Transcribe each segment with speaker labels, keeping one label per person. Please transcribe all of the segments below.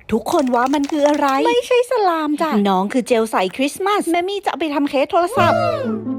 Speaker 1: ทุกคนว่ามันคืออะไรไม่ใช่สลามจ้ะน้องคือเจลใสคริสต์มาสแม่มี่จะเอาไปทำเคสโทรศัพท์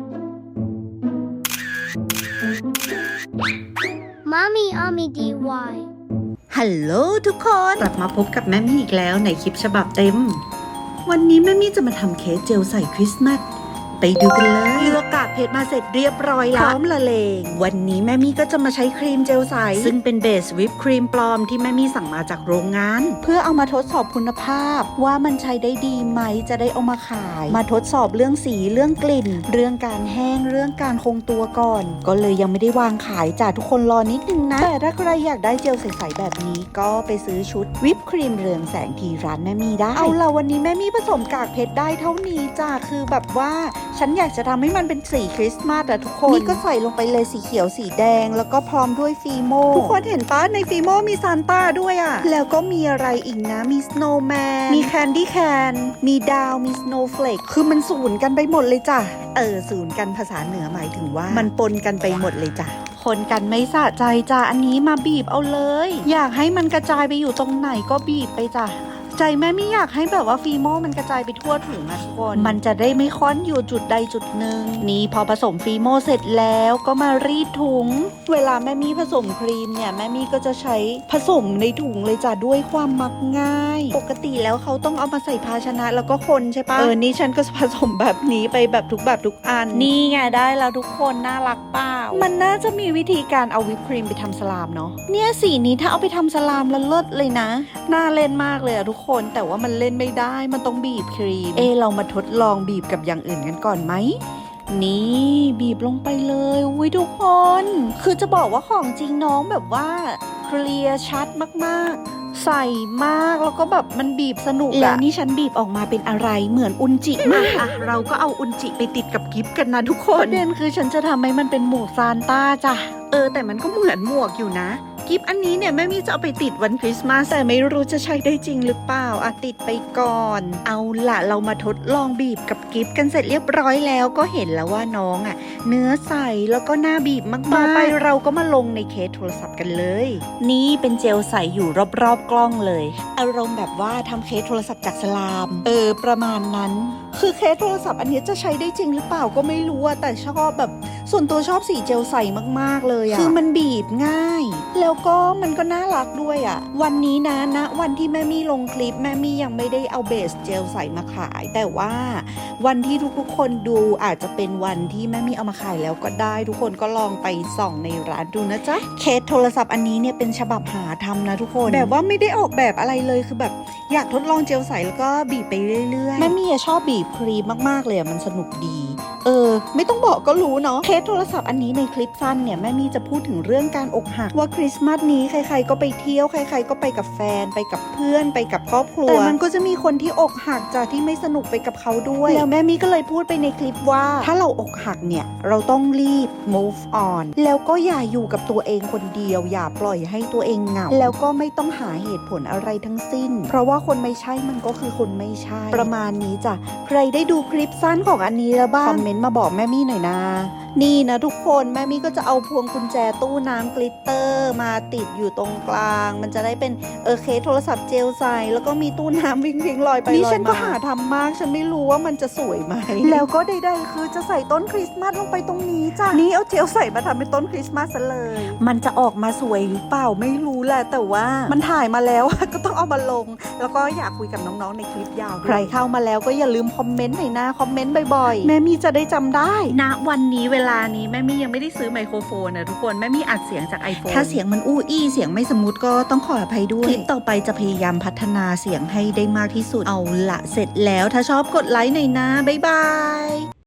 Speaker 2: Mommy Army DY
Speaker 3: ฮัลโหลทุกคนกลับมาพบกับแม่มี่อีกแล้วในคลิปฉบับเต็มวันนี้แม่มี่จะมาทำเค้กเจลใส่คริสต์มาสไปดูกันเลยเลือกกากเพชรมาเสร็จเรียบร้อยแล้วพร้อมละเลงวันนี้แม่มี่ก็จะมาใช้ครีมเจลใสซึ่งเป็นเบสวิปครีมปลอมที่แม่มี่สั่งมาจากโรงงานเพื่อเอามาทดสอบคุณภาพว่ามันใช้ได้ดีไหมจะได้เอามาขายมาทดสอบเรื่องสีเรื่องกลิ่นเรื่องการแห้งเรื่องการคงตัวก่อนก็เลยยังไม่ได้วางขายจ้ะทุกคนรอนิดนึงนะแต่ถ้าใครอยากได้เจลใสๆแบบนี้ก็ไปซื้อชุดวิปครีมเรืองแสงที่ร้านแม่มี่ได้เอาล่ะวันนี้แม่มี่ผสมกากเพชรได้เท่านี้จ้ะคือแบบว่าฉันอยากจะทำให้มันเป็นสีคริสต์มาสอะทุกคนนี่ก็ใส่ลงไปเลยสีเขียวสีแดงแล้วก็พร้อมด้วยฟีโมทุกคนเห็นปะในฟีโมมีซานต้าด้วยอะแล้วก็มีอะไรอีกนะมีสโนว์แมนมีแคนดี้แคนมีดาวมีสโนว์เฟลกคือมันสูนกันไปหมดเลยจ้ะสูนกันภาษาเหนือหมายถึงว่ามันปนกันไปหมดเลยจ้ะคนกันไม่สะใจจ้ะอันนี้มาบีบเอาเลยอยากให้มันกระจายไปอยู่ตรงไหนก็บีบไปจ้ะใจแม่ไม่อยากให้แบบว่าฟีโมมันกระจายไปทั่วถุงนะทุกคนมันจะได้ไม่ค้อนอยู่จุดใดจุดหนึ่งนี่พอผสมฟีโมเสร็จแล้วก็มารีดถุงเวลาแม่มี่ผสมครีมเนี่ยแม่มี่ก็จะใช้ผสมในถุงเลยจ้ะด้วยความมักง่ายปกติแล้วเขาต้องเอามาใส่ภาชนะแล้วก็คนใช่ปะนี่ฉันก็ผสมแบบนี้ไปแบบทุกอันนี่ไงได้แล้วทุกคนน่ารักเปล่ามันน่าจะมีวิธีการเอาวิปครีมไปทำสลามเนาะเนี่ยสีนี้ถ้าเอาไปทำสลามแล้วเลิศเลยนะน่าเล่นมากเลยอะทุกคนแต่ว่ามันเล่นไม่ได้มันต้องบีบครีมเรามาทดลองบีบกับอย่างอื่นกันก่อนไหมนี่บีบลงไปเลยอุ้ยทุกคนคือจะบอกว่าของจริงน้องแบบว่าเคลียร์ชัดมากๆใส่มากแล้วก็แบบมันบีบสนุกแล้วนี่ฉันบีบออกมาเป็นอะไรเหมือนอุนจิมากเราก็เอาอุนจิไปติดกับกิฟต์กันนะทุกคนประเด็นคือฉันจะทำให้มันเป็นหมวกซานต้าจ้ะแต่มันก็เหมือนหมวกอยู่นะกิฟต์อันนี้เนี่ยแม่มี่จะเอาไปติดวันคริสต์มาสแต่ไม่รู้จะใช้ได้จริงหรือเปล่าติดไปก่อนเอาล่ะเรามาทดลองบีบกับกิฟต์กันเสร็จเรียบร้อยแล้วก็เห็นแล้วว่าน้องเนื้อใสแล้วก็น่าบีบมากๆต่อไปเราก็มาลงในเคสโทรศัพท์กันเลยนี่เป็นเจลใสอยู่รอบๆกล้องเลยอารมณ์แบบว่าทำเคสโทรศัพท์จากสลามประมาณนั้นคือเคสโทรศัพท์อันนี้จะใช้ได้จริงหรือเปล่าก็ไม่รู้แต่ชอบแบบส่วนตัวชอบสีเจลใสมากๆเลยคือมันบีบง่ายแล้วก็มันก็น่ารักด้วยวันนี้นะวันที่แม่มี่ลงคลิปแม่มี่ยังไม่ได้เอาเบสเจลใสมาขายแต่ว่าวันที่ทุกคนดูอาจจะเป็นวันที่แม่มี่เอามาขายแล้วก็ได้ทุกคนก็ลองไปส่องในร้านดูนะจ๊ะเคสโทรศัพท์อันนี้เนี่ยเป็นฉบับหาทำนะทุกคนแบบว่าไม่ได้ออกแบบอะไรเลยคือแบบอยากทดลองเจลใสแล้วก็บีบไปเรื่อยๆแม่มี่ชอบบีบครีมมากๆเลยมันสนุกดีไม่ต้องบอกก็รู้เนาะเคสโทรศัพท์อันนี้ในคลิปสั้นเนี่ยแม่มี่จะพูดถึงเรื่องการอกหักว่าคริสต์มาสนี้ใครๆก็ไปเที่ยวใครๆก็ไปกับแฟนไปกับเพื่อนไปกับครอบครัวแต่มันก็จะมีคนที่อกหักจากที่ไม่สนุกไปกับเขาด้วยแล้วแม่มี่ก็เลยพูดไปในคลิปว่าถ้าเราอกหักเนี่ยเราต้องรีบ move on แล้วก็อย่าอยู่กับตัวเองคนเดียวอย่าปล่อยให้ตัวเองเหงาแล้วก็ไม่ต้องหาเหตุผลอะไรทั้งสิ้นเพราะว่าคนไม่ใช่มันก็คือคนไม่ใช่ประมาณนี้จ้ะใครได้ดูคลิปสั้นของอันนี้แล้วบ้างคอมเมนต์มาบอกแม่มี่หน่อยนะนี่นะทุกคนแม่มี่ก็จะเอาพวงกุญแจตู้น้ำกลิตเตอร์มาติดอยู่ตรงกลางมันจะได้เป็นเคสโทรศัพท์เจลใสแล้วก็มีตู้น้ำวิ่งลอยไปลอยมานี่ฉันก็หาทำมากฉันไม่รู้ว่ามันจะสวยไหมแล้วก็ใดๆคือจะใส่ต้นคริสต์มาสลงไปตรงนี้จ้ะนี่เอาเจลใส่มาทำเป็นต้นคริสต์มาสซะเลยมันจะออกมาสวยหรือเปล่าไม่รู้แหละแต่ว่ามันถ่ายมาแล้วก็ต้องเอามาลงแล้วก็อยากคุยกับน้องๆในคลิปยาวใครเข้ามาแล้วก็อย่าลืมคอมเมนต์หน่อยนะคอมเมนต์บ่อยๆแม่มี่จะได้จำได้ณวันนี้เวลานี้แม่มี่ยังไม่ได้ซื้อไมโครโฟนนะทุกคนแม่มี่อัดเสียงจาก iPhone ถ้าเสียงมันอู้อี้เสียงไม่สมูทก็ต้องขออภัยด้วยคลิปต่อไปจะพยายามพัฒนาเสียงให้ได้มากที่สุดเอาละเสร็จแล้วถ้าชอบกดไลค์หน่อยนะบ๊ายบาย